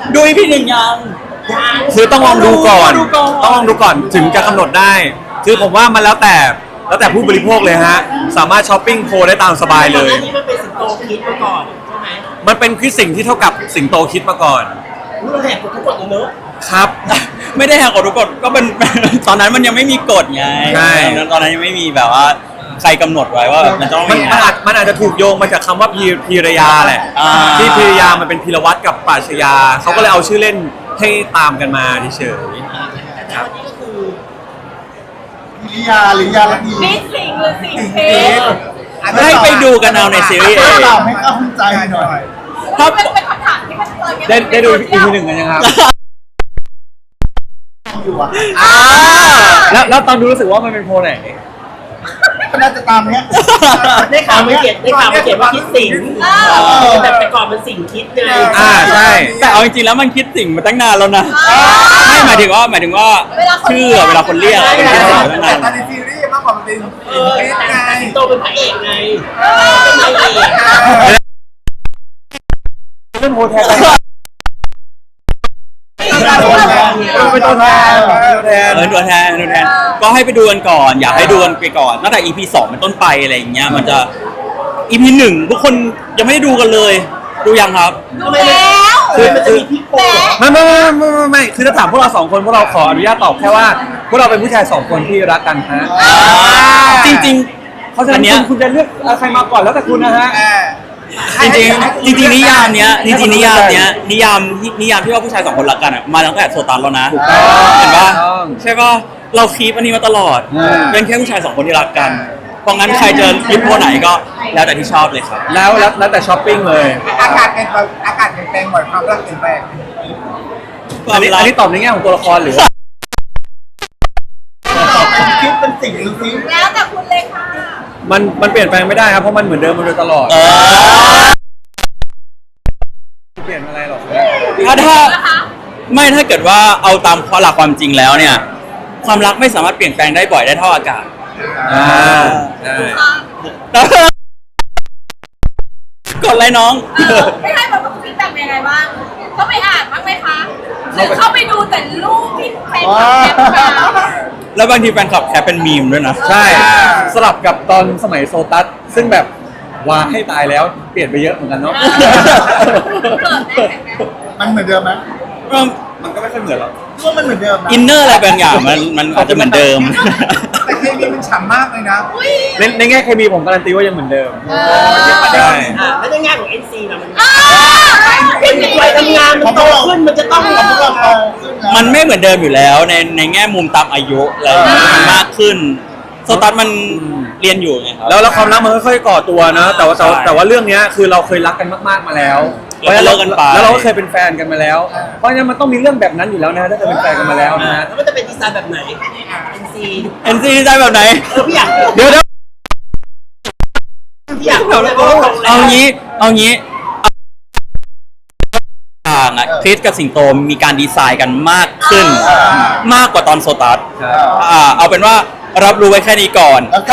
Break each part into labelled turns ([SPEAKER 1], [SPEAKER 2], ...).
[SPEAKER 1] ดู EP 1ยัง
[SPEAKER 2] คือต้องลองดูก่อน ต้องลองดูก่อนถึงจะกำหนดได้ คือผมว่ามันแล้วแต่ผู้บริโภคเลยฮะสามารถช้อปปิ้งโพลได้ตามสบายเลย
[SPEAKER 3] อันนี้มันเป็นสิงโตคิดมาก่อนใช่ไหม
[SPEAKER 2] มันเป็นคือสิ่งที่เท่ากับสิงโตคิดมาก่อน
[SPEAKER 3] เราแหกกฎทุกกฎเลยเนอะ
[SPEAKER 2] ครับ
[SPEAKER 1] ไม่ได้แหกกฎทุกกฎก็เป็น ตอนนั้นมันยังไม่มีกฎไง
[SPEAKER 2] ใช่
[SPEAKER 1] ตอนนั้นยังไม่มีแบบว่าใครกำหนดไว้ว่ามันต้อง
[SPEAKER 2] มัน
[SPEAKER 1] มี
[SPEAKER 2] มันอาจจะถูกโยงมาจากคำว่าพีรยาแหละ
[SPEAKER 1] อ่า
[SPEAKER 2] ที่พีรยามันเป็นพีรวัตรกับปราชญาเขาก็เลยเอาชื่อเล่นให้ตามกันมาเฉย
[SPEAKER 3] แต่ณวันนี้ก็คือ
[SPEAKER 4] พิริยาหรือยาละดี
[SPEAKER 5] นี่สิงหรือสิงเพชร
[SPEAKER 1] ให้ไปดูกันเอาในซีรีส์เอง
[SPEAKER 4] ตอบให้เข้าใจหน่อย
[SPEAKER 1] ถ้า
[SPEAKER 5] เป็นคำถามที่มันเลย
[SPEAKER 2] ได้ดู EP 1กันยังครับ
[SPEAKER 4] อยู่อ่ะ
[SPEAKER 2] แล้วตอนดูรู้สึกว่ามันเป็นโพลไหน
[SPEAKER 4] ก็น่าจะตามเนี้ย
[SPEAKER 3] ได้ข่าวมาเขียนว่าคิดสิงแต่ก่อนมันสิงคิดไง
[SPEAKER 2] ใช่
[SPEAKER 1] แต่เอาจริงๆแล้วมันคิดสิ่งมาตั้งนานแล้วนะไม่หมายถึงว่าชื่อเวลาคนเรียกมันคิดสิ่งมาตั้งนาน
[SPEAKER 4] แต่ในซีรีส์มากกว่ามันเป็น
[SPEAKER 3] แต่สิงโตเป็นพระเอกไงเป็นนายเอก
[SPEAKER 2] เล่นโพลแทนเป็นตัวแทน
[SPEAKER 1] ตัวแทนก็ให้ไปดูกันก่อน อยากให้ดูกันไปก่อนตั้งแต่ EP 2เป็นต้นไปอะไรอย่างเงี้ยมันจะ EP 1ทุกคนยังไม่ได้ดูกันเลยดูยังครับ
[SPEAKER 5] ดูแล้ว
[SPEAKER 3] คือมันจะมีพี่โป้
[SPEAKER 2] ไม่คือถ้าถามพวกเราสองคนพวกเราขออนุญาตตอบแค่ว่าพวกเราเป็นผู้ชายสองคนที่รักกันฮะ
[SPEAKER 1] จริง
[SPEAKER 2] เพราะฉะนั้นคุณจะเลือกใครมาก่อนแล้วแต่คุณนะฮะ
[SPEAKER 1] ๆจริงนิยามเนี้ยนิยามที่ว่าผู้ชายสองคนรักกันอ่ะมาตั้งแต่โซตันแล้วนะ
[SPEAKER 2] ถูกต้อง
[SPEAKER 1] เห็นปะ
[SPEAKER 2] ถูกต้อง
[SPEAKER 1] ใช่ปะเราคีปอันนี้มาตลอด เป็นแค่ผู้ชายสองคนที่รักกันเพราะงั้นใครจะยึดโพไหนก็แล้วแต่ที่ชอบเลยครับ
[SPEAKER 2] แล้วแต่ช้อปปิ้งเลย
[SPEAKER 4] อากาศเปลี่ยนแปลงบ่อยความรักเปลี่ยนแปลง
[SPEAKER 2] อันนี้ตอบในแง่ของตัวละครหรือ
[SPEAKER 4] คิดเป็นสิ่งหรือสิ่ง
[SPEAKER 5] แล้วแต่คุณเลยค่ะ
[SPEAKER 2] มันเปลี่ยนแปลงไม่ได้ครับเพราะมันเหมือนเดิมมาโดยตลอดเปลี่ยนอะไรหรอก
[SPEAKER 1] ถ้าเกิดว่าเอาตามหลักความจริงแล้วเนี่ย ความรักไม่สามารถเปลี่ยนแปลงได้บ่อยได้เท่าอากาศ
[SPEAKER 2] ใช่
[SPEAKER 1] กดอะไรน้อง
[SPEAKER 5] ไม่ให้แบบฟีดแบ็กยังไงบ้างเขาไปอ่านบ้างไหมคะหรือเขาไปดูแต่รูปที่แฟนคลับแคปมา
[SPEAKER 1] แล้วบางทีแฟนคลับแคปเป็นมีมด้วยนะ
[SPEAKER 2] ใช่สลับกับตอนสมัยโซตัสซึ่งแบบว่าให้ตายแล้วเปลี่ยนไปเยอะเหมือนกันเนาะ
[SPEAKER 4] มันเหมือนเดิมไหม
[SPEAKER 2] มันก็ไม่ค่อยเหมือนหรอก
[SPEAKER 4] ว่ามันเหมือนเดิมนะ
[SPEAKER 1] อินเนอร์อะไรบางอย่างมันอาจจะเหมือนเดิม
[SPEAKER 4] แต่เคมีมันฉ่ำมากเลยนะ
[SPEAKER 2] ในแง่เคมีผมการันตีว่ายังเหมือนเดิม
[SPEAKER 3] ใช่
[SPEAKER 2] ใช่
[SPEAKER 3] แล้วในแง่ของ NC นะมัน
[SPEAKER 5] เป็น
[SPEAKER 3] วัยทำงานมันโตขึ้นมันจะต้อง
[SPEAKER 4] พวกเราโตขึ้นแล้ว
[SPEAKER 1] มันไม่เหมือนเดิมอยู่แล้วในแง่มุมตามอายุอะไรอย่างเงี้ยมันมากขึ้นโซตัสมันเรียนอยู่ไงครับ
[SPEAKER 2] แล้วความรักมันค่อยๆก่อตัวนะแต่ว่าเรื่องเนี้ยคือเราเคยรักกันมากๆมาแล้ว
[SPEAKER 1] แล้วก็เลิกกันไป
[SPEAKER 2] แล้วเราก็เคยเป็นแฟนกันมาแล้ว เพราะฉะนั้นมันต้องมีเรื่องแบบนั้นอยู่แล้วนะถ้าเคยเป็นแฟนกันมาแล้วนะฮะ
[SPEAKER 3] แล้วมันจะเป็นดีไซน์แบบไหน NC
[SPEAKER 1] เอ็นซีได้แบบไหน
[SPEAKER 3] พี่อยาก
[SPEAKER 2] เดี๋ยว
[SPEAKER 3] พี่อยาก
[SPEAKER 1] เอางี้ต่างอะคริสกับสิงโตมีการดีไซน์กันมากขึ้น มากกว่าตอนโซตัสเอาเป็นว่ารับรู้ไว้แค่นี้ก่อน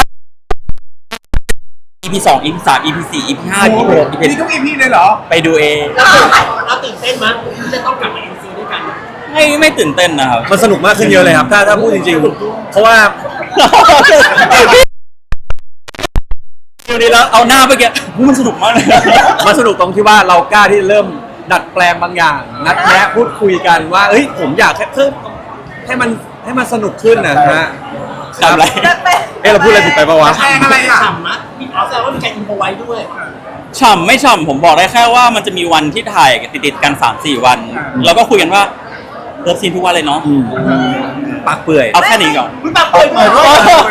[SPEAKER 1] EP 2 EP 3 EP 4 EP 5 EP 6 EP
[SPEAKER 4] มีทุก EP เลยเหรอ
[SPEAKER 1] ไปดูเอง
[SPEAKER 3] เราตื่นเต้นมั้ยจะต้องกลับมา NC ด้วยกัน
[SPEAKER 1] ไม่ตื่นเต้นนะครับ
[SPEAKER 2] มันสนุกมากขึ้นเยอะเลยครับถ้าพูดจริงๆเพราะว่า
[SPEAKER 1] อยู่ดีแล้วเอาหน้าไปแกมันสนุกมากเลย
[SPEAKER 2] มันสนุกตรงที่ว่าเรากล้าที่จะเริ่มดัดแปลงบางอย่าง นัดแนะพูดคุยกันว่าเอ้ยผมอยากเพิ่มให้มันสนุกขึ้นนะฮะ
[SPEAKER 1] ทำอะไร
[SPEAKER 2] เราพูดอะไรผิดไปปะวะ
[SPEAKER 3] แข่งอะไรอ่ะฉ่ำมั้ยพี่อ๋อแสดงว่ามีการอินโฟไว้ด้วย
[SPEAKER 1] ฉ่ำไม่ฉ่ำผมบอกได้แค่ว่ามันจะมีวันที่ถ่ายติดๆกัน 3-4 วัน แล้วก็คุยกันว่าเลิฟซีนทุกวันเลยเนาะ
[SPEAKER 2] ปากเปื่อย
[SPEAKER 1] เอาแค่นี้ก่อน
[SPEAKER 3] พี่ปากเปิดเหมือนว่า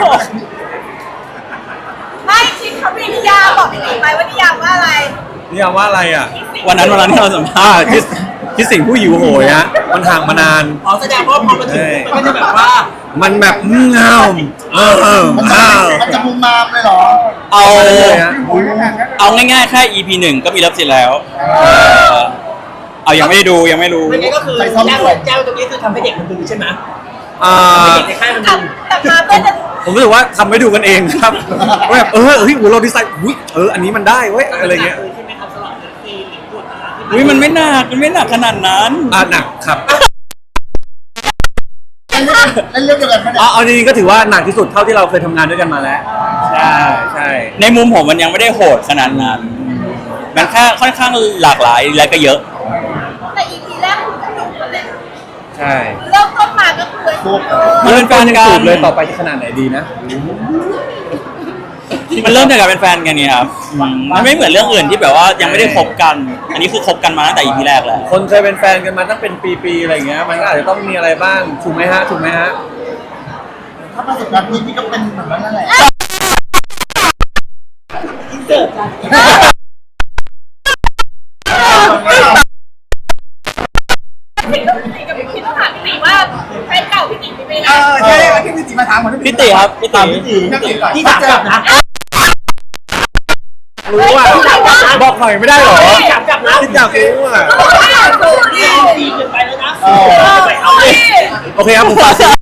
[SPEAKER 5] ไม่ชิคเขามีนิยามบอกพี่หนิงไปว่านิยามว่าอะไร
[SPEAKER 2] นี่ยามว่าอะไรอ่ะ
[SPEAKER 1] วันนั้นที่เราสัมภาษณ์
[SPEAKER 2] คิดสิ่งผู้หิวโหยฮะมันห่างมานาน
[SPEAKER 3] อ๋อแสดงว่าพอมาถึงมันก็จะแบบว่า
[SPEAKER 2] มันแบบเงา
[SPEAKER 4] มันจะมุมมามเลยเหรอ
[SPEAKER 1] เอา
[SPEAKER 2] เลยฮะ
[SPEAKER 1] เอาง่ายๆแค่ EP 1 ก็มีเลิฟซีนแล้วเอายังไม่ได้ดูยังไม่รู้
[SPEAKER 3] ไม่งั้นก็คือแจ้วตรงนี้คือทำให้เด็กมันดูใช่ไหม เด็กในค่ายมันดู
[SPEAKER 5] แต่มาเต้นจะ
[SPEAKER 2] ผมรู้สึกว่าทำให้ดูกันเองครับว่าแบบเฮ้ยเราดีไซน์อันนี้มันได้เว้ยอะไรเงี้ย
[SPEAKER 3] ใช่ไหมครับสำหรับซีหรือบทที่
[SPEAKER 1] อุ้ยมันไม่หนักขนาดนั้น
[SPEAKER 2] หนักครับ
[SPEAKER 4] เล่นเรื่องเดียวกันไหมเนี่ย
[SPEAKER 2] เอาจริงๆก็ถือว่าหนักที่สุดเท่าที่เราเคยทำงานด้วยกันมาแล้วใช่
[SPEAKER 1] ในมุมผมมันยังไม่ได้โหดขนาดนั้นมันแค่ค่อนข้างหลากหลายและก็เยอะ
[SPEAKER 5] แต่ EP แรกคุณกระดุกกันเลย
[SPEAKER 2] ใช่
[SPEAKER 5] เริ่มต้นมาก็คือ
[SPEAKER 1] มันเป็นแฟนกัน
[SPEAKER 2] สูบเลยต่อไปจะขนาดไหนดีนะ
[SPEAKER 1] มันเริ่มจากการเป็นแฟนกันเนี่ยครับมันไม่เหมือนเรื่องอื่นที่แบบว่ายังไม่ได้คบกัน อันนี้คือคบกันมาตั้งแต่ EP แรกแล้ว
[SPEAKER 2] คนเคยเป็นแฟนกันมาตั้งเป็นปีๆอะไรอย่างเงี้ยมันก็อาจจะต้องมีอะไรบ้างถูกไหมฮะ
[SPEAKER 4] ถ้าประสบการณ์พี่ก็เป็นเหมือนนั้นนั่นแหละ
[SPEAKER 5] พี่ต้องพี่กับพี่ต้องถามพี่ติ๋ว่าแฟนเก่าพี่ติ๋เป็นยังไง
[SPEAKER 4] ใช่ที่พี่จิมาถามผม
[SPEAKER 1] พี่ติครับพี่ติ
[SPEAKER 3] ที่ถามกลับนะ
[SPEAKER 2] รู้อ่ะบอกหน่อยไม่ได้หรอ
[SPEAKER 3] ถามกลับนะ
[SPEAKER 2] ที่อยากรู้อ่ะ
[SPEAKER 3] ดีเกินไปแล้วนะ
[SPEAKER 5] ไปเอาดิ
[SPEAKER 2] โอเคครับผมฝากซีรีส์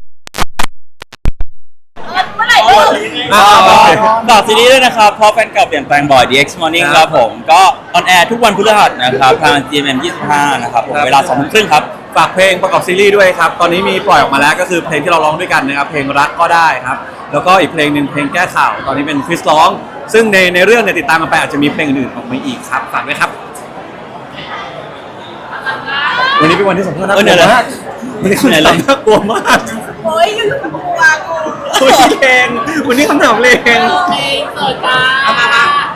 [SPEAKER 5] เมื่อไหร่เลิก
[SPEAKER 1] ฝากซีรีส์ด้วยนะครับเพราะแฟนเก่าเปลี่ยนแปลงบ่อย DX Morning ครับผมก็ออนแอร์ทุกวันพฤหัสนะครับทาง GMM 25นะครับผมเวลา 20:30 ครับ
[SPEAKER 2] ฝากเพลงประกอบซีรีส์ด้วยครับตอนนี้มีปล่อยออกมาแล้วก็คือเพลงที่เราร้องด้วยกันนะครับเพลงรักก็ได้ครับแล้วก็อีกเพลงหนึ่งเพลงแก้ข่าวตอนนี้เป็นคริสร้องซึ่งในเรื่องเนี่ยติดตามกันไปอาจจะมีเพลงอื่นๆออกมาอีกครับฝากด้วยครับวันนี้เป็นวันที่สัมภาษณ์น่ากลัวมากวันนี้คำถามน่ากลัวมาก
[SPEAKER 5] โอ้ยอยู่กับกูกู
[SPEAKER 2] โอ้ยเพลงวันนี้คำถามเพลง
[SPEAKER 5] เปิดตา